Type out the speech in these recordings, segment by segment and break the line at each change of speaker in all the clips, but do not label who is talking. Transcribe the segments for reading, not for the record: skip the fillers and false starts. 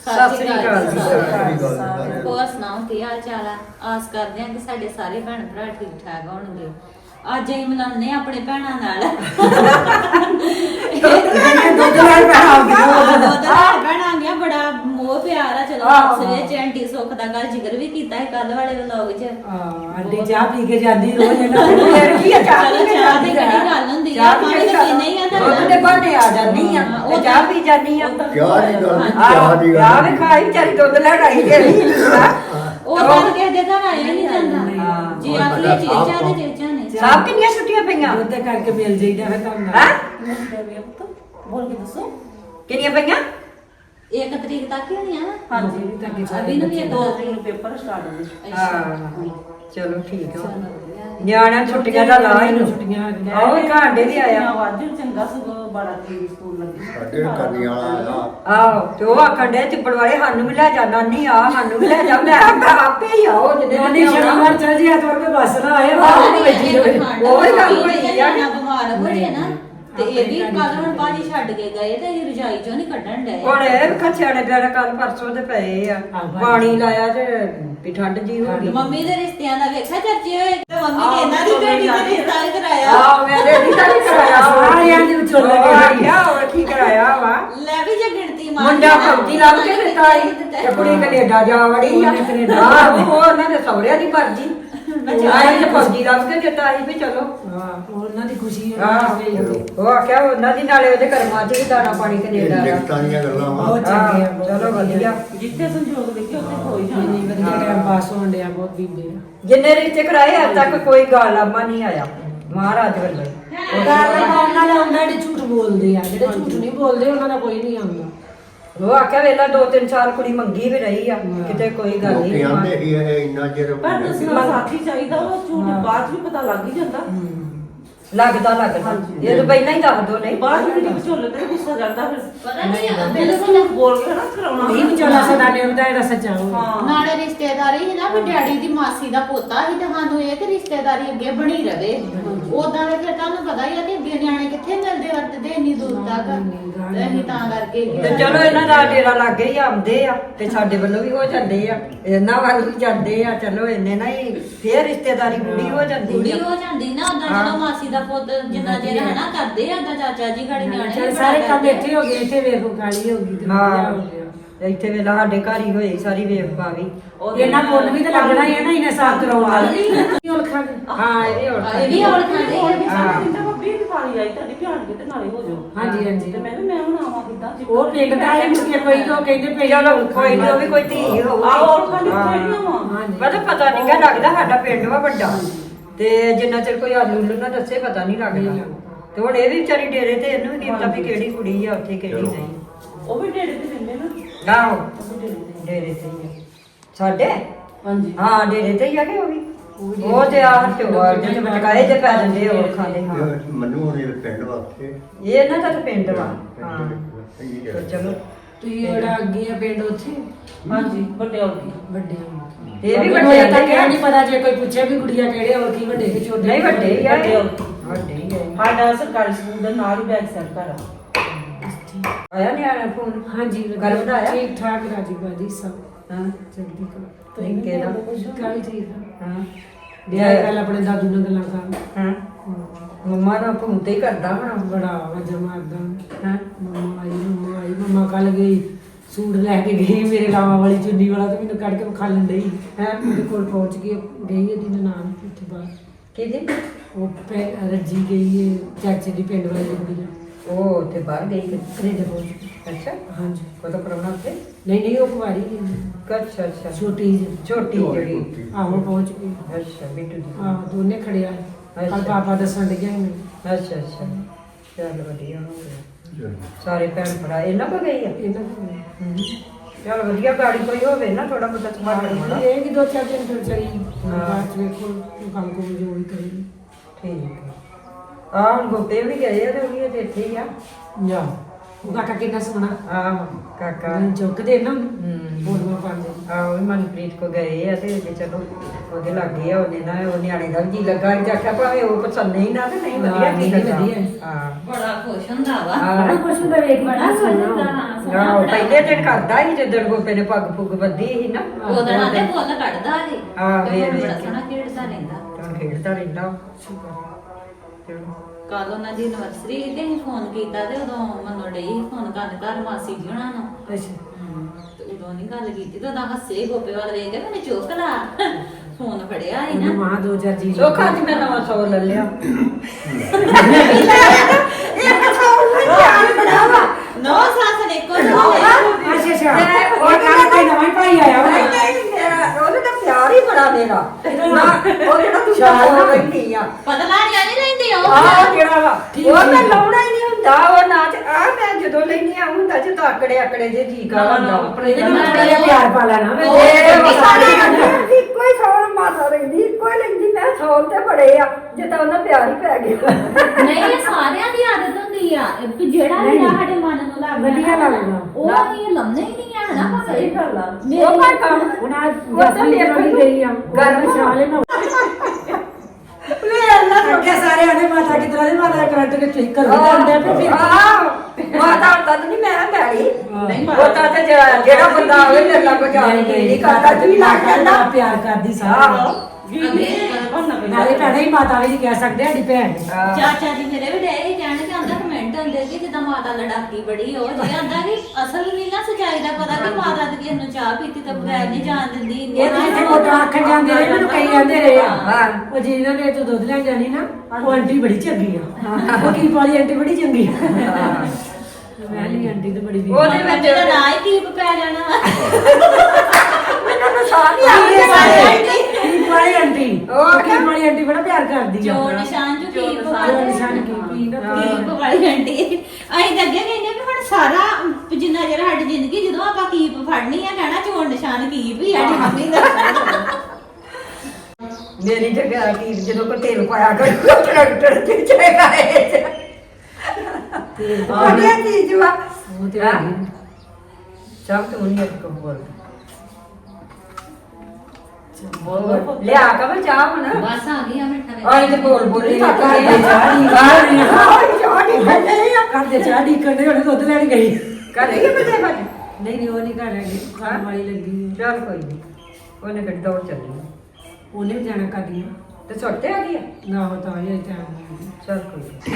ਸਤਿ ਸ੍ਰੀ ਅਕਾਲ ਜੀ।
ਹੋਰ ਸੁਣਾਓ ਕੀ ਹਾਲ ਚਾਲ ਆ? ਆਸ ਕਰਦੇ ਹਾਂ ਕਿ ਸਾਡੇ ਸਾਰੇ ਭੈਣ ਭਰਾ ਠੀਕ ਠਾਕ ਹੋਣਗੇ। ਅੱਜ ਅਸੀਂ ਮਿਲਾਉਂਦੇ ਹਾਂ ਆਪਣੇ ਭੈਣਾਂ ਨਾਲ।
ਦੁੱਧ ਨਾਲ
ਭੈਣਾਂ ਆ ਗਿਆ ਬੜਾ ਮੋਹ ਪਿਆਰ ਆ। ਚਲੋ ਆਪਸ ਵਿੱਚ ਆਂਟੀ ਸੁੱਖ ਦਾ ਗੱਲ ਜ਼ਿਕਰ ਵੀ ਕੀਤਾ ਹੈ ਕੱਲ ਵਾਲੇ ਵਲੌਗ 'ਚ।
ਆਂਟੀ ਚਾਹ ਪੀ ਕੇ ਜਾਂਦੀ ਰੋਜ਼ ਇਹਨਾਂ ਦੇ ਫਿਰ ਕੀ ਆ ਚਾਹ
ਚਲੋ ਚਾਹ ਦੀ ਕਿਹੜੀ ਗੱਲ ਹੁੰਦੀ ਆ, ਪਾਣੀ ਤਾਂ ਪੀਣਾ ਹੀ ਆ
ਦੁੱਧ ਦੇ ਬਾਣੇ ਆ ਜਾਂਦੀ ਆ ਉਹ ਚਾਹ ਪੀ ਜਾਂਦੀ ਆ ਚਾਹ ਵੀ ਖਾਈ ਵਿਚਾਰੀ ਦੁੱਧ ਲੈਣ ਆਈ ਜਿਹੜੀ
ਉਹ ਤਾਂ ਕਿਸੇ ਦੇ ਘਰ ਆਇਆ ਨਹੀਂ ਜਾਂਦਾ ਜੀ ਆਖਲੇ ਚੇਚਾ ਦੇ ਚੇਚਾ ਨੇ
ਸਭ ਕਿੰਨੀਆਂ ਛੁੱਟੀਆਂ ਪਈਆਂ
ਦੁੱਧ ਕਰਕੇ ਮਿਲ ਜਾਈਦਾ ਫਿਰ ਤੁਹਾਨੂੰ
ਹੈ
ਬੋਲ ਕੇ ਦੱਸੋ।
ਕਿੰਨੀਆਂ ਪਈਆਂ
1 ਤਰੀਕ ਤੱਕ ਹੀ ਹੋਣੀਆਂ ਨਾ।
ਹਾਂਜੀ ਤਾਂ
ਅਭੀ ਨੂੰ ਵੀ
2 ਤਰੀਕ ਨੂੰ ਪੇਪਰ ਸਟਾਰਟ ਹੋ ਗਏ।
ਹਾਂ ਚਲੋ ਠੀਕ ਆ ਨਿਆਣਿਆਂ ਛੁੱਟੀਆਂ ਦਾ ਲਾ ਹੀ ਨੂੰ
ਛੁੱਟੀਆਂ
ਆਓ ਘਾਟੇ ਵੀ ਆਇਆ
ਵਾਜੂ ਚੰਗਾ ਸੁਗੋ 12 ਤਰੀਕ ਸਕੂਲ ਲੱਗੀ।
ਆਹੋ ਤੇ ਉਹ ਆਖਣ ਦੇ ਚਿੱਪੜ ਵਾਲੇ ਸਾਨੂੰ ਵੀ ਲੈ ਜਾ ਨਾਨੀ ਆ ਸਾਨੂੰ ਵੀ ਲੈ ਜਾ ਮੈਂ ਆਪੇ ਹੀ ਆਓ ਜਿਹਦੇ
ਨਾਨੀ ਸ਼ਨੀਵਾਰ ਚੱਲ ਜੀ ਐਤਵਾਰ ਕੇ ਬੱਸ ਨਾ ਆਏ ਬਾਹਰ ਨੂੰ ਬੈਠੀ ਰਹੇ
ਉਹ ਹੀ ਗੱਲ ਹੋਈ ਆ
ਬਿਮਾਰ ਹੋ ਜੇ ਨਾ ਤੇ ਇਹ ਵੀ ਕੱਲ ਹੁਣ ਭਾਜੀ ਛੱਡ ਕੇ ਗਏ ਤੇ ਇਹ ਰਜਾਈ ਚੋਂ ਨਹੀਂ ਕੱਢਣ ਡਏ।
ਹੁਣ ਇਹ ਖੱਛਿਆਣੇ ਪਿਆਰੇ ਕੱਲ ਪਰਸੋਂ ਦੇ ਪਏ ਆ ਪਾਣੀ ਲਾਇਆ ਤੇ ਵੀ ਠੰਡ ਜੀ ਹੋ ਗਈ
ਮੰਮੀ ਦੇ ਰਿਸ਼ਤਿਆਂ ਦਾ ਵੇਖਿਆ ਚਰਚੇ ਹੋਏ ਤੇ ਮੰਮੀ ਨੇ ਇਹਨਾਂ ਦੀ ਬੇਟੀ ਦਾ ਰਿਸ਼ਤਾ ਵੀ ਕਰਾਇਆ।
ਆਹ ਮੇਰੇ ਨਹੀਂ ਤਾਂ ਕਰਾਇਆ
ਸਾਰਿਆਂ ਦੇ ਵਿੱਚੋਂ ਲੱਗੇ
ਆ ਹੋਰ ਕੀ ਕਰਾਇਆ ਵਾ
ਲੈ ਵੀ ਜੇ ਗਿਣਤੀ ਮਾਰ
ਮੁੰਡਾ ਫੌਜੀ ਲੱਭ ਕੇ ਦਿੱਤਾ ਸੀ ਤੇ ਕੁੜੀ ਕੈਨੇਡਾ ਜਾ ਵੜੀ ਆ ਉਹ ਉਹਨਾਂ ਦੇ ਸਹੁਰਿਆਂ ਦੀ ਮਰਜ਼ੀ ਆਏ ਤੇ ਫੌਜੀ ਲੱਭ ਕੇ ਦਿੱਤਾ ਸੀ ਵੀ ਚਲੋ
ਹਾਂ ਉਹਨਾਂ ਦੀ ਖੁਸ਼ੀ
ਉਹ ਆਖਿਆ ਉਹਨਾਂ ਦੀ ਨਾਲੇ ਉਹਦੇ ਕਰਮਾਂ 'ਚ ਵੀ ਦਾਣਾ ਪਾਣੀ ਕੈਨੇਡਾ ਦਾ
ਬਹੁਤ ਚੰਗੇ ਆ
ਚਲੋ ਵਧੀਆ
ਜਿੱਥੇ ਸੰਜੋਗ ਲਿਖੇ ਉੱਥੇ ਹੋਈ ਜਾਣਾ।
ਨਹੀਂ ਵਧੀਆ ਟਾਈਮ ਪਾਸ ਹੋਣ ਡਿਆ ਬਹੁਤ ਬੀਬੇ ਆ
ਜਿੰਨੇ ਰਿਸ਼ਤੇ ਕਰਾਏ ਅੱਜ ਤੱਕ ਕੋਈ ਗਾਲਾਮਾ ਨਹੀਂ ਆਇਆ ਮਹਾਰਾਜ ਵੱਲੋਂ
ਗੱਲ ਉਹਨਾਂ ਦਾ ਹੁੰਦਾ ਜਿਹੜੇ ਝੂਠ ਬੋਲਦੇ ਆ ਜਿਹੜੇ ਝੂਠ ਨਹੀਂ ਬੋਲਦੇ ਉਹਨਾਂ ਦਾ ਕੋਈ ਨਹੀਂ ਆਉਂਦਾ
ਉਹ ਆਖਿਆ ਵੇਲਾ 2-3 ਸਾਲ ਕੁੜੀ ਮੰਗੀ ਵੀ ਰਹੀ ਆ ਕਿਤੇ ਕੋਈ ਗੱਲ ਨਹੀਂ
ਪਰ ਦੱਸਣਾ ਸਾਥੀ ਚਾਹੀਦਾ ਉਹ ਝੂਠ ਬਾਅਦ 'ਚ ਵੀ ਪਤਾ ਲੱਗ ਹੀ ਜਾਂਦਾ।
ਲੱਗਦਾ ਇਹ ਤਾਂ ਪਹਿਲਾਂ ਹੀ ਦੱਸ ਦੋ ਨਹੀਂ
ਬਾਅਦ ਵਿੱਚ ਵਿਚੋਲੇ ਤੇ ਗੁੱਸਾ ਕਰਦਾ ਫਿਰ
ਪਤਾ ਨਹੀਂ
ਬਿਲਕੁਲ ਝੂਠ ਬੋਲ ਕੇ ਨਾ ਕਰਾਉਣਾ।
ਨਹੀਂ ਵਿਚੋਲਾ ਸਦਾ ਨੇ ਹੁੰਦਾ ਇਹਦਾ ਸੱਚਾ ਹੋਵੇ
ਹਾਂ
ਨਾਲੇ ਰਿਸ਼ਤੇਦਾਰੀ ਸੀ ਨਾ ਵੀ ਡੈਡੀ ਦੀ ਮਾਸੀ ਦਾ ਪੋਤਾ ਸੀ ਤੇ ਸਾਨੂੰ ਇਹ ਕਿ ਰਿਸ਼ਤੇਦਾਰੀ ਅੱਗੇ ਬਣੀ ਰਵੇ। ਉਦਾਂ ਦੇ ਫਿਰ ਤੁਹਾਨੂੰ ਪਤਾ ਹੀ ਆ ਕਿ ਅੱਗੇ ਨਿਆਣੇ ਕਿੱਥੇ ਮਿਲਦੇ ਵਰਤਦੇ ਇੰਨੀ ਦੂਰ ਤੱਕ ਤੇ ਅਸੀਂ ਤਾਂ ਕਰਕੇ
ਤੇ ਚਲੋ ਇਹਨਾਂ ਦਾ ਡੇਰਾ ਲੱਗੇ ਹੀ ਆਉਂਦੇ ਆ ਤੇ ਸਾਡੇ ਵੱਲੋਂ ਵੀ ਹੋ ਜਾਂਦੇ ਆ ਇਹਨਾਂ ਵੱਲ ਵੀ ਜਾਂਦੇ ਆ ਚਲੋ ਇੰਨੇ ਨਾ ਹੀ ਫੇਰ ਰਿਸ਼ਤੇਦਾਰੀ ਪੂਰੀ ਹੋ ਜਾਂਦੀ
ਕੁੜੀ
ਆ
ਹੋ ਜਾਂਦੀ ਨਾ ਉਦਾਂ ਜਦੋਂ ਮਾਸੀ ਦਾ ਪੁੱਤ ਜਿੰਨਾ ਚਿਰ ਹੈ ਨਾ ਕਰਦੇ ਆ ਉਦਾਂ ਚਾਚਾ ਜੀ ਗਾੜੀ ਨਿਆਣੇ
ਚੱਲ
ਵੀ
ਸਾਰੇ
ਬੜਾ
ਕੰਮ
ਕਰਦੇ।
ਇੱਥੇ ਹੋ ਗਏ ਇੱਥੇ ਵੇਖੋ ਕਾਲੀ ਹੋ ਗਈ ਤੇ ਵਧੀਆ ਹੋ ਗਿਆ
ਤੇ ਇੱਥੇ ਵੇਲਾ ਸਾਡੇ ਘਰ ਹੀ ਹੋਈ ਸਾਰੀ ਵੇਖ ਪਾਵੀ
ਇਹਨਾਂ ਪੁੱਲ ਵੀ ਤਾਂ ਲੱਗਣਾ ਹੀ ਹੈ ਨਾ ਇਹਨੇ ਸਾਫ ਕਰਾਉਣ ਵਾਲਾ ਹੁਣ ਖਾ
ਹਾਂ ਇਹ ਵੀ ਹੁਣ
ਇਹ ਵੀ ਔਲ ਖਾਂਦੇ
ਹੋਰ
ਆ।
ਵੀ ਸਾਰੇ ਦਿਨ ਤਾਂ ਬੱਬੀ ਦੀ ਪਾਣੀ ਆਈ ਤੁਹਾਡੀ ਭਿਆਨ ਕਿਤੇ ਨਾਲੇ ਹੋ ਜਾਓ।
ਹਾਂਜੀ ਹਾਂਜੀ
ਤੇ ਮੈਂ ਵੀ ਮੈਂ ਹੁਣ ਆਵਾਂ ਕਿੱਦਾਂ
ਉਹ ਪਿੰਡ ਦਾ ਹੈ ਮੁਕੇ ਕੋਈ ਤੋਂ ਕਹਿੰਦੇ ਪਈ
ਚਲੋ ਕੋਈ ਨਹੀਂ ਉਹ ਵੀ ਕੋਈ ਧੀ ਹੋਊਗੀ
ਆਹ ਔਰ ਖਾਲੀ ਕਿਹੜੀਆਂ ਵਾ
ਹਾਂਜੀ
ਮਤਲਬ ਪਤਾ ਨਹੀਂ ਕਿ ਲੱਗਦਾ ਸਾਡਾ ਪਿੰਡ ਵਾ ਵੱਡਾ ਤੇ ਜਿੰਨਾ ਚਿਰ ਕੋਈ ਆਲੂ ਨਾ ਦੱਸੇ ਪਤਾ ਨਹੀਂ ਲੱਗਦਾ ਤੇ ਹੁਣ ਇਹ ਵੀ ਵਿਚਾਰੀ ਡੇਰੇ ਤੇ ਇਹਨੂੰ ਵੀ ਪਤਾ ਵੀ ਕਿਹੜੀ ਕੁੜੀ ਆ ਉੱਥੇ ਕਿਹੜੀ ਨਹੀਂ
ਉਹ ਵੀ ਢੇੜੇ ਤੇ ਦਿੰਦੇ ਨਾ।
ਆਹੋ
ਉਹ ਵੀ ਢੇੜੇ ਤੇ।
ਡੇਰੇ ਤੇ ਹੀ ਆ ਸਾਡੇ
ਹਾਂਜੀ
ਹਾਂ ਡੇਰੇ ਤੇ ਹੀ ਆ ਕਿ ਉਹ ਵੀ ਉਹ ਤੇ ਆ ਹਟਵਾ ਜਿਹੜੇ ਮਟਕਾਏ ਜੇ ਪੈ ਜਾਂਦੇ ਹੋਰ ਖਾਂਦੇ ਹਾਂ ਇਹ ਇਹਨਾਂ ਦਾ ਤਾਂ ਪਿੰਡ ਵਾ ਹਾਂ ਤੇ ਚਲੋ
ਤੁਸੀਂ ਜਿਹੜਾ ਅੱਗੇ ਆ ਪਿੰਡ ਉੱਥੇ
ਹਾਂਜੀ ਵੱਡੇ ਔਰ ਕੀ
ਵੱਡੇ
ਇਹ ਵੀ
ਵੱਡੇ
ਵੱਡੇ
ਤਾਂ ਕਿਹਾ ਨਹੀਂ ਪਤਾ ਜੇ ਕੋਈ ਪੁੱਛੇ ਵੀ ਗੁੜੀਆ ਕਿਹੜੇ ਹੋਰ ਕੀ ਵੱਡੇ ਕਿ ਛੋਟੇ
ਨਹੀਂ ਵੱਡੇ ਹੀ ਆ
ਵੱਡੇ
ਇਹ।
ਔਰ ਕੀ।
ਵੱਡੇ ਹੀ ਆ
ਸਾਡਾ ਸਰਕਾਰੀ ਸਕੂਲ ਦੇ ਨਾਲ ਹੀ ਬੈਕ ਸਾਈਡ ਘਰ ਆ।
ਆਇਆ ਨਹੀਂ ਆਇਆ ਫੋਨ
ਹਾਂਜੀ
ਘਰ ਵਧਾਇਆ?
ਠੀਕ ਠਾਕ ਰਾਜੀ ਬਾਜੀ ਸਭ
ਹਾਂ
ਚੰਗੀ ਕਲਾ
ਨਿੱਕੇ ਦਾ
ਕਾਲੀ ਠੀਕ ਆ
ਹਾਂ
ਵਿਆਹ ਕੱਲ ਆਪਣੇ ਦਾਦੂ ਨਾਲ ਗੱਲਾਂ ਕਰ
ਹਾਂ ਮੰਮਾ ਦਾ ਫੋਨ ਤੇ ਹੀ ਕਰਦਾ ਹੁਣ
ਬੜਾ ਵਜਾ ਮਾਰਦਾ
ਹਾਂ
ਮੰਮਾ ਆਈ ਮੰਮਾ ਕੱਲ ਗਈ ਸੂਟ ਲੈ ਕੇ ਗਈ ਮੇਰੇ ਲਾਵਾਂ ਵਾਲੀ ਚੁੰਨੀ ਵਾਲਾ ਤੇ ਮੈਨੂੰ ਕੱਢ ਕੇ ਵਿਖਾ ਲੈਂਦੀ ਹੈ ਉਹਦੇ ਕੋਲ ਪਹੁੰਚ ਗਈ ਗਈ ਇਹਦੀ ਨਨਾਣ ਉੱਥੇ ਬਾਹਰ
ਕਿਹਦੀ
ਉਹ ਰੱਜੀ ਗਈ ਹੈ ਚਾਚੇ ਦੀ ਪਿੰਡ ਵਾਲੀ ਕੁੜੀ
ਉਹ ਤੇ ਬਾਹਰ ਗਈ
ਕੈਨੇਡਾ ਪਹੁੰਚ ਗਈ
ਅੱਛਾ
ਹਾਂਜੀ
ਕਦੋਂ ਪ੍ਰਾਹੁਣਾ ਉੱਥੇ
ਨਹੀਂ ਉਹ ਕੁਵਾਰੀ ਹੈ
ਅੱਛਾ ਅੱਛਾ
ਛੋਟੀ ਜਿਹੀ
ਛੋਟੀ ਜਿਹੜੀ
ਆਹੋ ਪਹੁੰਚ ਗਈ
ਅੱਛਾ ਬਿੱਟੂ ਦੀ
ਆਹ ਦੋਨੇ ਖੜਿਆ ਕੱਲ ਪਾਪਾ ਦੱਸਣ ਲੱਗਿਆ ਮੈਨੂੰ
ਅੱਛਾ ਅੱਛਾ ਚੱਲ ਵਧੀਆ ਹੋ ਗਿਆ ਸਾਰੇ ਭੈਣ ਭਰਾ ਇਹਨਾਂ ਕੋ ਗਈ ਆ
ਇਹਨਾਂ ਕੋਲ
ਚੱਲ ਵਧੀਆ ਗਾੜੀ ਕੋਈ ਹੋਵੇ ਨਾ ਥੋੜਾ ਬਹੁਤਾ ਸੰਭਾਲਣ ਵਾਲਾ
ਇਹ ਕਿ 2-4 ਦਿਨ ਫਿਰ ਚਲੀ ਬਾਅਦ ਚ ਵੇਖੋ ਕੰਮ ਕੋਲ ਜੋ ਵੀ ਕਰੀ
ਠੀਕ ਆ ਆਹ ਗੋਪੇ ਵੀ ਗਏ ਆ ਤੇ ਉਹ ਵੀ ਅਜੇ ਇੱਥੇ ਹੀ ਆ
ਜਾ ਉਹ ਕਾਕਾ ਕਿੰਨਾ ਸੋਹਣਾ
ਆਹ ਕਾਕਾ
ਚੁੱਕਦੇ ਨਾ
ਹੂੰ
ਬੋਲਵਾ ਪਾਉਂਦੇ
ਆਹ ਵੀ ਮਨਪ੍ਰੀਤ ਕੋ ਗਏ ਆ ਤੇ ਜੇ ਚਲੋ ਉਹਦੇ ਲੱਗੇ ਆ ਉਹਨੇ ਨਾ ਉਹ ਨਿਆਣੇ ਦਾ ਵੀ ਜੀ ਲੱਗਾ ਤੇ ਆਖਿਆ ਭਾਵੇਂ ਉਹ ਪਸੰਦ ਨਹੀਂ ਨਾ ਤੇ ਨਹੀਂ ਵਧੀਆ
ਹਾਂ,
ਠੀਕ
ਨਹੀਂ
ਲੱਗਾ
ਵਧੀਆ।
ਹਾਂ
ਬੜਾ ਖੁਸ਼ ਹੁੰਦਾ ਵਾ
ਹਾਂ
ਕੁਛ ਹੁੰਦਾ ਵੇਖ
ਬੜਾ ਖੁਸ਼ ਹੁੰਦਾ ਹਾਂ
ਆਹੋ ਪਹਿਲੇ ਦਿਨ ਕਰਦਾ ਸੀ ਜਦੋਂ ਗੋਪੇ ਨੇ ਪੱਗ ਪੁੱਗ ਬੱਧੀ ਸੀ ਨਾ
ਉਹਦਾ ਨਾਲ ਤੇ ਬੋਲ ਕੱਢਦਾ ਜੀ
ਹਾਂ,
ਤੇ
ਵੇਖ
ਬੜਾ
ਵੇਖ।
ਸੋਹਣਾ ਖੇਡਦਾ ਰਹਿੰਦਾ
ਹੁਣ ਖੇਡਦਾ ਰਹਿੰਦਾ ਚਲੋ।
ਕੱਲ ਉਹਨਾਂ ਦੀ ਐਨਵਰਸਰੀ ਤੇ ਅਸੀਂ ਫੋਨ ਕੀਤਾ ਤੇ ਉਦੋਂ ਮੈਨੂੰ ਡਈ ਫੋਨ ਕਰਨ ਘਰ ਮਾਸੀ ਜੀ ਹੁਣਾਂ ਨੂੰ
ਅੱਛਾ
ਤੇ ਉਦੋਂ ਨਹੀਂ ਗੱਲ ਕੀਤੀ ਤੇ ਉਹਦਾ ਹੱਸੇ ਗੋਪੇ ਵੱਲ ਵੇਖ ਕੇ ਮੈਨੂੰ ਚੁੱਕ ਲਾ ਫੋਨ ਫੜਿਆ ਸੀ
ਉਹਨੂੰ
ਨਾ
ਮਾਂ 2000 ਜੀ
ਸੋਖਾ ਅੱਜ ਮੈਂ ਨਵਾਂ ਸੌ ਲੈ ਲਿਆ
ਨੋ ਸਾਸ ਨੇ ਕੋ
ਅੱਛਾ ਅੱਛਾ ਉਹ ਕੱਲ ਕੋਈ ਨਵਾਂ ਹੀ ਭਾਈ ਆਇਆ ਵਾ
ਉਹਦੇ ਤਾਂ ਪਿਆਰ ਹੀ ਬੜਾ ਮੇਰਾ ਉਹ ਜਿਹੜਾ ਤੂੰ ਸ਼ਾਲ ਬੈਠੀ ਆ
ਪਤਾ ਨਹੀਂ ਰਹਿੰਦੀ ਉਹ
ਆਹ ਜਿਹੜਾ ਵਾ ਉਹ ਮੈਂ ਲਾਉਣਾ ਹੀ ਨਹੀਂ ਹੁੰਦਾ ਉਹ ਨਾਚ ਆ ਮੈਂ ਜਦੋਂ ਲੈਣੀ ਆ ਹੁੰਦਾ ਜੇ ਤਾਂ ਆਕੜੇ ਜੇ ਠੀਕ ਆ ਹੁੰਦਾ
ਆਪਣੇ ਬੜਾ ਪਿਆਰ ਪਾ ਲੈਣਾ ਮੈਂ
ਕੋਈ ਸੌਲ ਮਾਤਾ ਰਹਿੰਦੀ ਕੋਈ ਲੈਂਦੀ ਮੈਂ ਸੌਲ ਤੇ ਬੜੇ ਆ ਜੇ ਤਾਂ ਉਹਨਾਂ ਪਿਆਰ ਹੀ ਪੈ ਗਿਆ
ਨਹੀਂ ਇਹ ਸਾਰਿਆਂ ਦੀ ਆਦਤ ਹੁੰਦੀ ਆ ਵੀ ਜਿਹੜਾ ਵੀ ਸਾਡੇ ਮਨ ਨੂੰ ਲੱਗਦਾ
ਵਧੀਆ ਲੱਗਦਾ।
ਉਹ ਇਹ ਲੰਮੇ ਹੀ ਨਹੀਂ ਆ ਨਾ
ਸਹੀ ਗੱਲ ਆ
ਉਹ ਕੋਈ ਕੰਮ
ਉਹਨਾਂ
ਉਹ ਤਾਂ
ਜਸਮੀਨ ਦੀ ਗਈ ਆ
ਗਰਮ
ਸ਼ਾਲੇ ਨਾ
ਲੈ ਅੱਲਾ
ਰੋਕੇ ਸਾਰੇ ਆਦੇ ਮਾਤਾ ਕੀ ਤਰ੍ਹਾਂ ਦੀ ਮਾਤਾ ਕਰੰਟ ਕੇ ਠੀਕ ਕਰ ਦਿੰਦੇ ਆ ਫਿਰ
ਮਾਤਾ ਤਾਂ ਨਹੀਂ ਮੈਂ ਬੈਲੀ
ਨਹੀਂ
ਉਹ ਤਾਂ ਤੇ ਜਿਹੜਾ ਬੰਦਾ ਆਵੇ ਮੇਰੇ ਨਾਲ ਕੋਈ ਜਾਣ ਨਹੀਂ ਕਰਦਾ ਜੀ ਲੱਗ ਜਾਂਦਾ
ਪਿਆਰ ਕਰਦੀ ਸਾਰਾ ਨਾਲੇ ਭੈਣੇ ਹੀ ਮਾਤਾ ਵੀ ਨਹੀਂ ਕਹਿ ਸਕਦੇ ਸਾਡੀ ਭੈਣ ਨੇ।
ਚਾਚਾ ਜੀ ਮੇਰੇ ਵੀ ਡੇ ਕਹਿਣ ਕਿ ਆਂਦਾ ਕਮੈਂਟ ਹੁੰਦੇ ਕਿ ਜਿੱਦਾਂ ਮਾਤਾ ਲੜਾਕੀ ਬੜੀ ਹੋ ਜੀ ਆਂਦਾ ਕਿ ਅਸਲ ਨਹੀਂ ਨਾ ਸਚਾਈ ਦਾ ਪਤਾ ਕਿ ਮਾਤਾ ਤੇ ਕਿਸੇ ਨੂੰ ਚਾਹ ਪੀਤੀ ਤਾਂ ਬਗੈਰ ਨਹੀਂ ਜਾਣ ਦਿੰਦੀ
ਇਹ ਤਾਂ ਇੱਥੇ ਮੋਟਾ ਆਖਣ ਜਾਂਦੇ ਰਹੇ ਮੈਨੂੰ ਕਈ ਜਾਂਦੇ ਰਹੇ ਆ
ਹਾਂ।
ਉਹ ਜਿਹਨਾਂ ਨੇ ਤੂੰ ਦੁੱਧ ਲੈਣ ਜਾਣੀ ਨਾ ਉਹ ਆਂਟੀ ਬੜੀ ਚੰਗੀ ਆ ਉਹ ਕੀ ਵਾਲੀ ਆਂਟੀ ਬੜੀ ਚੰਗੀ ਆ ਮੈਂ ਨਹੀਂ ਆਂਟੀ ਤਾਂ ਬੜੀ ਵੀ
ਉਹਦੇ ਵਿੱਚ
ਜਿਹੜਾ ਨਾ ਹੀ ਕੀਪ ਪੈ ਜਾਣਾ
ਮੈਨੂੰ ਤਾਂ ਸਾਹ ਨਹੀਂ ਆਉਂਦੀ
ਕੀ ਵਾਲੀ ਆਂਟੀ
ਉਹ
ਉਹ ਕੀ ਵਾਲੀ ਆਂਟੀ ਬੜਾ ਪਿਆਰ ਕਰਦੀ ਆ
ਜੋ ਨਿਸ਼ਾਨ ਜੋ ਕੀਪ
ਜੋ
ਵਾਲੀ
ਨਿਸ਼ਾਨ ਕੀ ਪੀ ਨਾ
ਕੀਪ ਵਾਲੀ ਆਂਟੀ ਅਸੀਂ ਤਾਂ ਅੱਗੇ ਕਹਿੰਦੇ ਕਿ ਹੁਣ ਸਾਰਾ ਜਿੰਨਾ ਜਿਹੜਾ ਸਾਡੀ ਜ਼ਿੰਦਗੀ ਜਦੋਂ ਆਪਾਂ ਕੀਪ ਫੜਨੀ ਆ ਕਹਿਣਾ ਚੋਣ ਨਿਸ਼ਾਨ ਕੀਪ ਹੀ ਸਾਡੀ ਮੰਮੀ ਦਾ
ਮੇਰੀ ਜਗ੍ਹਾ ਕੀ ਜਦੋਂ ਕੋ ਤੇਲ ਪਾਇਆ ਕਰ ਟਰੈਕਟਰ ਤੇ ਚੜੇਗਾ ਇਹ ਵਧੀਆ ਚੀਜ਼ ਵਾ
ਉਹ ਤੇ ਹੈਗੀ।
ਸਭ ਤੋਂ ਨਹੀਂ ਇੱਕ ਬੋਲ ਲਿਆ ਕਮਲ ਚਾਹ ਹੁਣ
ਬਸ ਆ ਗਈ ਆ ਮਿੱਠਾ
ਆਈ ਤੇ ਬੋਲ ਬੋਲੀ
ਘਰ ਦੇ ਘਰ ਦੇ ਚਾਹ ਦੀ ਕੰਡੇ ਉਹਨੇ ਦੁੱਧ ਲੈਣ ਗਈ
ਕਰੇ ਬਤੇ ਬਾਜ
ਨਹੀਂ ਉਹ ਨਹੀਂ ਘਰ ਹੈਗੀ ਖਾਣ ਵਾਲੀ ਲੱਗੀ ਆ।
ਚੱਲ ਕੋਈ ਨਹੀਂ ਉਹਨੇ ਗੱਡੀ ਦੌੜ ਚੱਲੀ
ਉਹਨੇ ਵੀ ਜਾਣਾ ਕਰਦੀ
ਤੇ ਛੋਟੇ ਆ ਗਿਆ
ਨਾ ਹੋ ਤਾਂ ਇਹ ਟਾਈਮ
ਚੱਲ ਕੋਈ ਨੀ।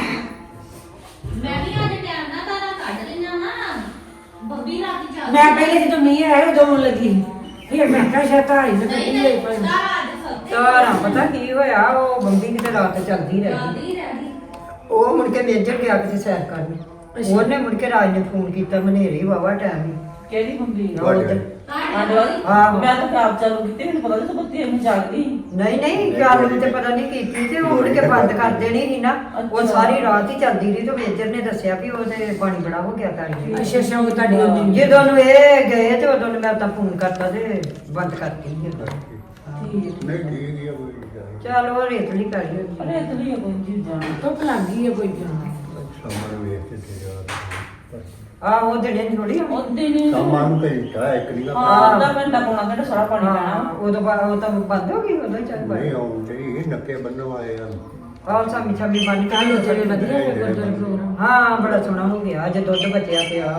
ਮੈਂ ਵੀ ਅੱਜ ਟਾਈਮ ਨਾਲ ਤਾਰਾ ਕੱਢ ਲੈਣਾ ਵਾ ਬੱਬੀ ਰਾਤ ਜਾ
ਮੈਂ ਪਹਿਲੇ ਜਦੋਂ ਮੀਂਹ ਆਇਆ ਉਦੋਂ ਆਉਣ ਲੱਗੀ ਫਿਰ ਮੈਂ ਕਿਹਾ ਸ਼ਾਇਦ ਆ ਹੀ ਨਾ
ਨਹੀਂ
ਕੱਢੀ
ਨਹੀਂ
ਹੋਈ ਭਾਈ
ਤਾਰਾ ਅੱਜ ਸੱਤੇ
ਤਾਰਾ ਪਤਾ ਕੀ ਹੋਇਆ ਉਹ ਬੰਬੀ ਕਿਤੇ ਰਾਤ ਚੱਲਦੀ ਰਹੀ
ਜਾਂਦੀ ਰਹਿ
ਉਹ ਮੁੜ ਕੇ ਮੇਜਰ ਗਿਆ ਕਿਤੇ ਸੈਰ ਕਰਨ ਉਹਨੇ ਮੁੜ ਕੇ ਰਾਜ ਨੇ ਫੋਨ ਕੀਤਾ ਮਨੇਰੀ ਵਾਵਾ ਟਾਈਮ ਹੀ
ਕਿਹੜੀ ਬੰਬੀ
ਉਹ ਉੱਧਰ। ਆਹੋ।
ਮੈਂ ਤਾਂ ਖਰਾਬ ਚਾਲੂ ਕੀਤੀ ਮੈਨੂੰ ਪਤਾ ਨਹੀਂ ਬੱਤੀ ਐਵੇਂ ਜਾਗਦੀ
ਨਹੀਂ ਨਹੀਂ ਗੱਲ ਤੇ ਪਤਾ ਨਹੀਂ ਕੀਤੀ ਤੇ ਉਹ ਮੁੜ ਕੇ ਬੰਦ ਕਰ ਦੇਣੀ ਸੀ ਨਾ ਉਹ ਸਾਰੀ ਰਾਤ ਹੀ ਚੱਲਦੀ ਰਹੀ ਤੇ ਮੇਜਰ ਨੇ ਦੱਸਿਆ ਵੀ ਉਹਦੇ ਪਾਣੀ ਬੜਾ ਹੋ ਗਿਆ ਤਾਰੀ
ਅੱਛਾ ਅੱਛਾ ਉਹ ਤੁਹਾਡੀ ਹੁੰਦੀ
ਜਦੋਂ ਨੂੰ ਇਹ ਗਏ ਤੇ ਉਦੋਂ ਨੂੰ ਮੈਂ ਤਾਂ ਫੋਨ ਕਰਤਾ ਤੇ ਬੰਦ ਕਰਤੀ ਸੀ ਉਦੋਂ।
ਨਹੀਂ ਠੀਕ ਹੀ ਆ ਕੋਈ ਗੱਲ
ਚੱਲ ਉਹ ਰੇਤਲੀ ਕਰੀ
ਅਰੇ ਇਤਨੀ ਹੈ ਕੋਈ ਚੀਜ਼ ਜਾਣ
ਧੁੱਪ ਲੱਗ ਗਈ ਹੈ ਕੋਈ ਕਿਉਂ
ਸਮਾਨ ਵੇਖ ਕੇ ਤੇ ਯਾਰ
ਆ ਉਹ ਜਿਹੜੇ ਥੋੜੀ
ਉਹਦੇ ਨੇ
ਸਮਾਨ ਨੂੰ ਘੰਟਾ ਇੱਕ ਨਹੀਂ
ਹਾਂ ਅੱਧਾ ਘੰਟਾ ਪੌਣਾ ਘੰਟਾ ਸਾਰਾ ਪਾਣੀ ਪੈਣਾ
ਉਦੋਂ ਉਹ ਤਾਂ ਬੰਦ ਹੋ ਗਈ ਉਦੋਂ ਹੀ ਚੱਲ
ਨਹੀਂ
ਪਈ
ਆਉਂਦੇ ਇਹ ਨੱਕੇ ਬੰਨਣ ਵਾਲੇ ਆ
ਆਹ ਸਾਮੀ ਸਾਮੀ ਬੰਦ ਕਰ ਲੋ
ਚਲੇ ਵਧੀਆ ਹੈ ਗੁਰਦੁਆਰਾ ਪ੍ਰੋਗਰਾਮ
ਹਾਂ ਬੜਾ ਸੋਹਣਾ ਹੋ ਗਿਆ ਅੱਜ ਦੁੱਧ ਬਚਿਆ ਪਿਆ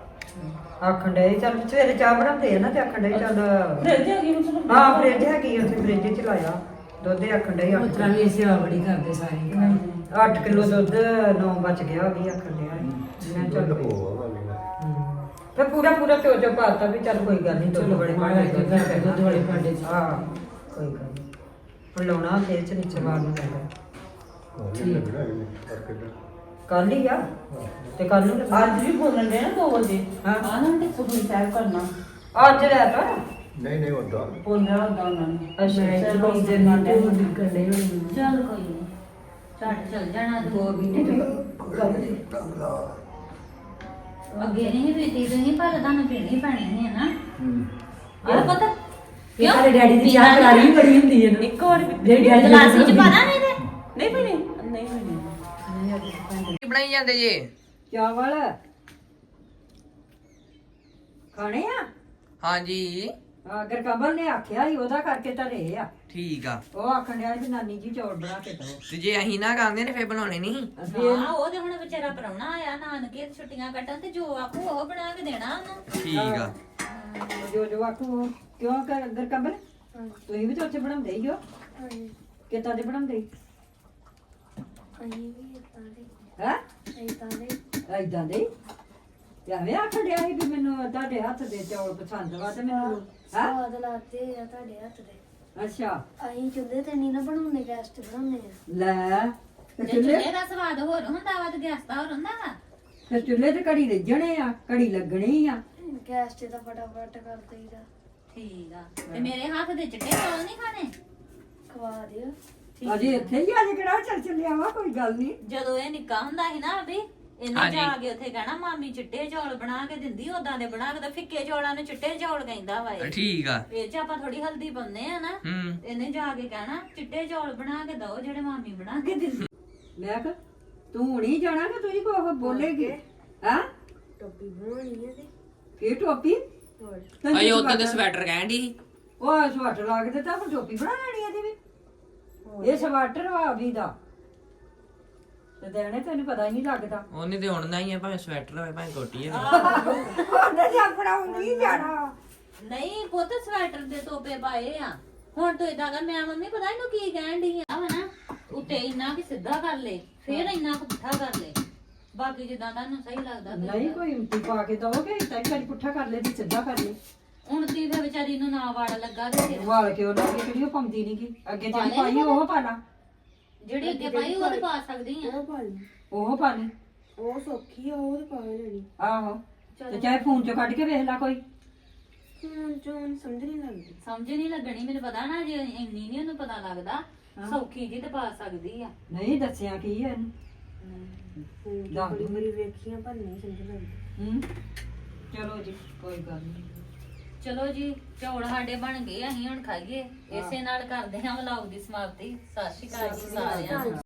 ਆਖਣ ਡਏ ਚੱਲ ਸਵੇਰੇ ਚਾਹ ਬਣਾਉਂਦੇ ਆ ਨਾ ਤੇ ਆਖਣ ਡਏ ਚੱਲ
ਫ੍ਰਿਜ ਹੈਗੀ ਮਤਲਬ
ਹਾਂ ਫ੍ਰਿਜ ਹੈਗੀ ਉੱਥੇ ਫ੍ਰਿਜ ਚ ਲਾਇਆ ਦੁੱਧ ਆਖਣ ਡਏ
ਉਸ ਤਰ੍ਹਾਂ ਵੀ ਸੇਵਾ ਬੜੀ ਕਰਦੇ ਸਾਰੇ
8 ਕਿਲੋ ਦੁੱਧ 9 ਬਚ ਗਿਆ ਵੀ ਆਖਣ ਡਿਆ ਮੈਂ ਚੱਲ
ਚੱਲ
ਪਈ।
ਹੋਵਾ
ਫਿਰ ਪੂਰਾ ਚੋ ਪਾਤਾ ਵੀ ਚੱਲ ਕੋਈ ਗੱਲ ਨਹੀਂ ਦੁੱਧ
ਚਲੋ
ਬੜੇ
ਮਹਾਰਾਜ ਦੇ ਘਰ ਦੇ ਦੁੱਧ ਵਾਲੇ ਭਾਂਡੇ ਚ।
ਹਾਂ ਕੋਈ ਗੱਲ ਨਹੀਂ ਹੁਣ ਲਾਉਣਾ ਫੇਰ ਚ ਨੀਚੇ ਮਾਰ ਨੂੰ ਪੈਂਦਾ
ਲੱਗਣਾ ਇਹ ਕਰਕੇ
ਕੱਲ ਹੀ ਆ ਤੇ ਕੱਲ ਨੂੰ ਲੱਗਾ।
ਅੱਜ ਵੀ ਬੋਲਣ ਦੇ ਨਾ 2 ਵਜੇ
ਹਾਂ।
ਆ ਨਾ ਤੇ ਸੁਖੀ ਸਾਹਿਬ ਕਰਨਾ
ਅੱਜ ਰਹਿ ਤਾ
ਨਹੀਂ ਨਹੀਂ ਉਦਾਂ
ਬੋਲਣਾ ਹੁੰਦਾ ਉਹਨਾਂ ਨੇ
ਅੱਛਾ
ਚਲੋ ਜੇ ਨਾ ਤੇ ਉਹ ਨਿਕਲਣੇ ਹੋਣੇ
ਚੱਲ ਕੋਈ ਨਹੀਂ ਛੱਡ ਚੱਲ ਜਾਣਾ
ਦੋ ਮਹੀਨੇ ਤੇ ਗੱਲ ਦੀ
ਅੱਗੇ ਨਹੀਂ ਪੀਤੀ ਤੁਸੀਂ ਪਰ ਤੁਹਾਨੂੰ ਪੀਣੀ ਪੈਣੀ ਹੈ ਨਾ ਆਹ ਪਤਾ
ਇਹ ਸਾਡੇ ਡੈਡੀ ਦੀ ਚਾਹ ਕਰਾਰੀ ਵੀ ਬੜੀ ਹੁੰਦੀ ਹੈ ਨਾ
ਇੱਕ ਵਾਰ
ਜਿਹੜੀ ਡੈਡੀ ਦੀ
ਗਲਾਸ ਵਿੱਚ
ਹੁੰਦੀ।
ਪਾਣਾ ਨਹੀਂ ਤੇ
ਨਹੀਂ ਪੀਣੀ ਨਹੀਂ ਪੀਣੀ
ਕੀ ਬਣਾਈ ਜਾਂਦੇ ਜੀ
ਚਾਵਲ ਖਾਣੇ ਆ
ਹਾਂਜੀ
ਅਗਰ ਕਮਲ ਨੇ ਆਖਿਆ ਹੀ ਉਹਦਾ ਕਰਕੇ ਧਰੇ ਆ।
ਠੀਕ ਆ।
ਉਹ ਆਖਣ ਡਿਆ ਵੀ ਨਾਨੀ ਜੀ ਚੌਲ ਬਣਾ ਕੇ ਦਿਓ।
ਤੇ ਜੇ ਅਸੀਂ ਨਾ ਖਾਂਦੇ ਨੇ ਫੇਰ ਬਣਾਉਣੇ ਨਹੀਂ।
ਹਾਂ ਉਹ ਤੇ ਹੁਣ ਵਿਚਾਰਾ ਪ੍ਰਾਹੁਣਾ ਆਇਆ ਨਾਨਕੇ ਛੁੱਟੀਆਂ ਕੱਟਣ ਤੇ ਜੋ ਆਖੂ ਉਹ ਬਣਾ ਕੇ ਦੇਣਾ ਉਹਨੂੰ।
ਠੀਕ ਆ।
ਜੋ ਆਖੂ ਕਿਉਂ ਕਰ ਅਗਰ ਕਮਲ ਤੁਸੀਂ ਵੀ ਤਾਂ ਉੱਥੇ ਬਣਾਉਂਦੇ ਹੀ ਹੋ। ਕਿੱਦਾਂ ਦੇ ਬਣਾਉਂਦੇ ਹੈ ਏਦਾਂ ਦੇ ਤੇ ਐਵੇਂ ਆਖਣ ਡਿਆ ਸੀ ਵੀ ਮੈਨੂੰ ਤੁਹਾਡੇ ਹੱਥ ਦੇ ਚੌਲ ਪਸੰਦ ਵਾ ਤੇ ਮੈਨੂੰ
ਸਵਾਦ ਲੱਗਦੇ ਆ ਤੁਹਾਡੇ ਹੱਥ ਦੇ।
ਅੱਛਾ
ਅਸੀਂ ਚੁੱਲ੍ਹੇ ਤੇ ਨਹੀਂ ਨਾ ਬਣਾਉਂਦੇ, ਗੈਸ ਤੇ ਬਣਾਉਂਦੇ ਆ।
ਲੈ ਤੇ
ਜੇ
ਚੁੱਲ੍ਹੇ
ਚੁੱਲ੍ਹੇ ਦਾ ਸਵਾਦ ਹੋਰ ਹੁੰਦਾ ਵਾ ਤੇ ਗੈਸ ਦਾ ਹੋਰ ਹੁੰਦਾ ਵਾ।
ਤੇ ਚੁੱਲ੍ਹੇ ਤੇ ਘੜੀ ਰਿੱਝਣੇ ਆ, ਘੜੀ ਲੱਗਣੀ ਆ।
ਗੈਸ ਤੇ ਤਾਂ ਫਟਾਫਟ ਕਰ ਦਈਦਾ।
ਠੀਕ ਆ ਤੇ ਮੇਰੇ ਹੱਥ ਦੇ ਚਿੱਟੇ ਚੌਲ ਨਹੀਂ ਖਾਣੇ।
ਖਵਾ ਦਿਓ।
ਅਜੇ ਇੱਥੇ ਹੀ ਅੱਜ ਕਿਹੜਾ ਚੱਲ ਚੱਲਿਆ ਵਾ, ਕੋਈ ਗੱਲ ਨਹੀਂ।
ਜਦੋਂ ਇਹ ਨਿੱਕਾ ਹੁੰਦਾ ਸੀ ਨਾ ਅਭੀ ਇਹਨੇ ਜਾ ਕੇ ਉੱਥੇ ਕਹਿਣਾ ਮਾਮੀ ਚਿੱਟੇ ਚੌਲ ਬਣਾ ਕੇ ਦਿੰਦੀ, ਉਦਾਂ ਦੇ ਬਣਾ ਕੇ ਤਾਂ ਫਿੱਕੇ ਚੌਲਾਂ ਨੂੰ ਚਿੱਟੇ ਚੌਲ ਕਹਿੰਦਾ ਵਾ ਇਹ।
ਠੀਕ ਆ।
ਇਹ ਚ ਆਪਾਂ ਥੋੜੀ ਹਲਦੀ ਪਾਉਂਦੇ ਆ ਨਾ। ਇਹਨੇ ਜਾ ਕੇ ਕਹਿਣਾ ਚਿੱਟੇ ਚੌਲ ਬਣਾ ਕੇ ਦਓ ਜਿਹੜੇ ਮਾਮੀ ਬਣਾ ਕੇ ਦਿੰਦੀ।
ਮੈਂ ਕਿਹਾ ਤੂੰ ਨਹੀਂ ਜਾਣਾ ਕਿ ਤੁਸੀਂ ਕੋ ਬੋਲੇਗੀ ਹਾਂ?
ਟੋਪੀ ਬਣਾਉਣੀ ਹੈ ਤੇ
ਕੀ ਟੋਪੀ?
ਅਜੇ ਉਦੋਂ ਤੇ ਸਵੈਟਰ ਕਹਿਣ ਦੀ ਸੀ।
ਉਹ ਸਵਾਟਰ ਲਾ ਕੇ ਦਿੱਤਾ, ਹੁਣ ਟੋਪੀ ਬਣਾ ਲੈਣੀ ਇਹਦੀ ਵੀ। ਇਹ ਸਵਾਟਰ ਵਾ ਵੀ ਦਾ ਤੇ ਦੇਣੇ ਤੈਨੂੰ ਪਤਾ ਹੀ ਨਹੀਂ ਲੱਗਦਾ।
ਉਹਨੇ ਤੇ ਹੁਣ ਹੀ ਆ, ਭਾਵੇਂ ਸਵੈਟਰ ਹੋਵੇ ਭਾਵੇਂ ਕੋਟੀ ਹੋਵੇ।
ਉਹਨੇ ਤੇ ਆਪਣਾ ਨਹੀਂ ਜਾਣਾ।
ਨਹੀਂ ਪੁੱਤ ਸਵੈਟਰ ਦੇ ਤੋਪੇ ਪਾਏ ਆ। ਹੁਣ ਤੂੰ ਇਦਾਂ ਕਰ, ਮੈਂ ਮੰਮੀ ਪਤਾ ਇਹਨੂੰ ਕੀ ਕਹਿਣ ਦੀ ਆ ਵਾ ਨਾ, ਉੱਤੇ ਇੰਨਾ ਕਿ ਸਿੱਧਾ ਕਰ ਲੈ, ਫੇਰ ਇੰਨਾ ਕੁ ਪੁੱਠਾ ਕਰ ਲੈ, ਬਾਕੀ ਜਿੱਦਾਂ ਤੁਹਾਨੂੰ ਸਹੀ ਲੱਗਦਾ।
ਨਹੀਂ ਕੋਈ ਹਿੰਮਤੀ ਪਾ ਕੇ ਦਓਗੇ ਤਾਂ ਇੱਕ ਵਾਰੀ ਪੁੱਠਾ ਕਰ ਲੈ ਤੇ ਸਿੱਧਾ ਕਰ ਲੈ।
ਹੁਣ ਤੀ ਫੇ ਵਿਚਾਰੀ ਨੂੰ ਨਾ ਵਾੜ ਲੱਗਾ ਤੇ ਫਿਰ
ਵਾਲ ਕੇ ਉਹਨਾਂ ਅੱਗੇ ਕਿਹੜੀ ਉਹ ਪਾਉਂਦੀ ਨੀ ਗੀ, ਅੱਗੇ ਜਿਹੜੀ ਪਾਈ ਉਹ ਪਾ ਲਾ।
ਜਿਹੜੀ ਅੱਗੇ ਪਾਈ ਉਹ ਤੇ ਪਾ ਸਕਦੀ ਆ।
ਉਹ ਪਾ ਲਈ।
ਉਹ ਪਾ ਲਈ।
ਉਹ ਸੌਖੀ ਆ, ਉਹ ਤੇ ਪਾ ਲੈਣੀ।
ਆਹੋ ਤੇ ਚਾਹੇ ਫੋਨ ਚੋਂ ਕੱਢ ਕੇ ਵੇਖ ਲੈ ਕੋਈ।
ਹੁਣ ਚੋਂ ਸਮਝ ਨਹੀਂ ਲੱਗਦੀ।
ਸਮਝ ਨਹੀਂ ਲੱਗਣੀ, ਮੈਨੂੰ ਪਤਾ ਨਾ ਜੇ ਇੰਨੀ ਨਹੀਂ ਉਹਨੂੰ ਪਤਾ ਲੱਗਦਾ। ਸੌਖੀ ਜੀ ਤੇ ਪਾ ਸਕਦੀ ਆ।
ਨਹੀਂ ਦੱਸਿਆ ਕੀ ਹੈ ਇਹਨੂੰ। ਦੱਸ
ਬੜੀ ਬੜੀ ਵੇਖੀਆਂ ਪਰ ਨਹੀਂ ਸਮਝ ਲੱਗਦੀ।
ਹੂੰ ਚਲੋ ਜੀ ਕੋਈ ਗੱਲ ਨਹੀਂ।
ਚਲੋ ਜੀ ਚੌਲ ਸਾਡੇ ਬਣ ਗਏ, ਅਸੀਂ ਹੁਣ ਖਾਈਏ। ਇਸੇ ਨਾਲ ਕਰਦੇ ਹਾਂ ਵਲੌਗ ਦੀ ਸਮਾਪਤੀ। ਸਤਿ ਸ਼੍ਰੀ ਅਕਾਲ ਜੀ ਸਾਰਿਆਂ ਨੂੰ।